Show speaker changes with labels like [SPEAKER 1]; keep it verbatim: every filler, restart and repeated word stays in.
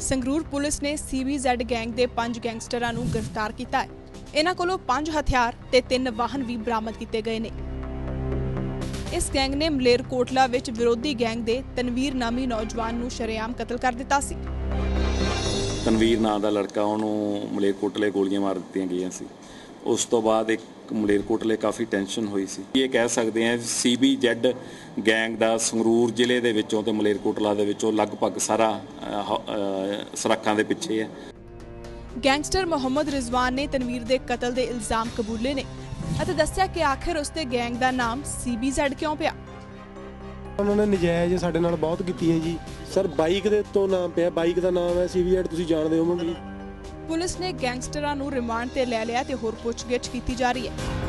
[SPEAKER 1] Sangrur police ਨੇ ਸੀਬੀਜ਼ੈਡ gang ਦੇ ਪੰਜ ਗੈਂਗਸਟਰਾਂ ਨੂੰ ਗ੍ਰਿਫਤਾਰ ਕੀਤਾ ਹੈ। ਇਹਨਾਂ ਕੋਲੋਂ ਪੰਜ ਹਥਿਆਰ ਤੇ ਤਿੰਨ ਵਾਹਨ ਵੀ ਬਰਾਮਦ ਕੀਤੇ ਗਏ ਨੇ। ਇਸ ਗੈਂਗ ਨੇ ਮਲੇਰਕੋਟਲਾ ਵਿੱਚ ਵਿਰੋਧੀ ਗੈਂਗ ਦੇ ਤਨਵੀਰ ਨਾਮੀ ਨੌਜਵਾਨ ਨੂੰ ਸ਼ਰੇਆਮ ਕਤਲ ਕਰ ਦਿੱਤਾ ਸੀ।
[SPEAKER 2] ਤਨਵੀਰ ਨਾਂ ਦਾ ਲੜਕਾ ਉਹਨੂੰ ਮਲੇਰਕੋਟਲੇ ਗੋਲੀਆਂ ਮਾਰ ਦਿੱਤੀਆਂ ਗਈਆਂ ਸੀ। ਉਸ ਤੋਂ ਬਾਅਦ ਇੱਕ ਮਲੇਰਕੋਟਲੇ ਕਾਫੀ ਟੈਨਸ਼ਨ ਹੋਈ ਸੀ। ਇਹ ਕਹਿ ਸਕਦੇ ਹਾਂ ਸੀਬੀਜ਼ੈਡ ਗੈਂਗ ਦਾ ਸੰਗਰੂਰ ਜ਼ਿਲ੍ਹੇ ਦੇ ਵਿੱਚੋਂ ਤੇ ਮਲੇਰਕੋਟਲਾ ਦੇ ਵਿੱਚੋਂ ਲਗਭਗ ਸਾਰਾ ਸਰਾਖਾਂ ਦੇ ਪਿੱਛੇ ਹੈ।
[SPEAKER 1] ਗੈਂਗਸਟਰ ਮੁਹੰਮਦ ਰਿਜ਼ਵਾਨ ਨੇ ਤਨਵੀਰ ਦੇ ਕਤਲ ਦੇ ਇਲਜ਼ਾਮ ਕਬੂਲੇ ਨੇ ਅਤੇ ਦੱਸਿਆ ਕਿ ਆਖਿਰ ਉਸ ਦੇ ਗੈਂਗ ਦਾ ਨਾਮ ਸੀਬੀਜ਼ੈਡ ਕਿਉਂ ਪਿਆ।
[SPEAKER 3] ਉਹਨਾਂ ਨੇ ਨਜਾਇਜ਼ ਸਾਡੇ ਨਾਲ ਬਹੁਤ ਕੀਤੀ ਹੈ ਜੀ। ਸਰ ਬਾਈਕ ਦੇ ਤੋਂ ਨਾਮ ਪਿਆ, ਬਾਈਕ ਦਾ ਨਾਮ ਹੈ ਸੀਬੀਜ਼ੈਡ, ਤੁਸੀਂ ਜਾਣਦੇ ਹੋਵੋਗੇ।
[SPEAKER 1] ਪੁਲਿਸ ਨੇ ਗੈਂਗਸਟਰਾਂ ਨੂੰ ਰਿਮਾਂਡ ਤੇ ਲੈ ਲਿਆ ਤੇ ਹੋਰ ਪੁੱਛਗਿੱਛ ਕੀਤੀ ਜਾ ਰਹੀ ਹੈ।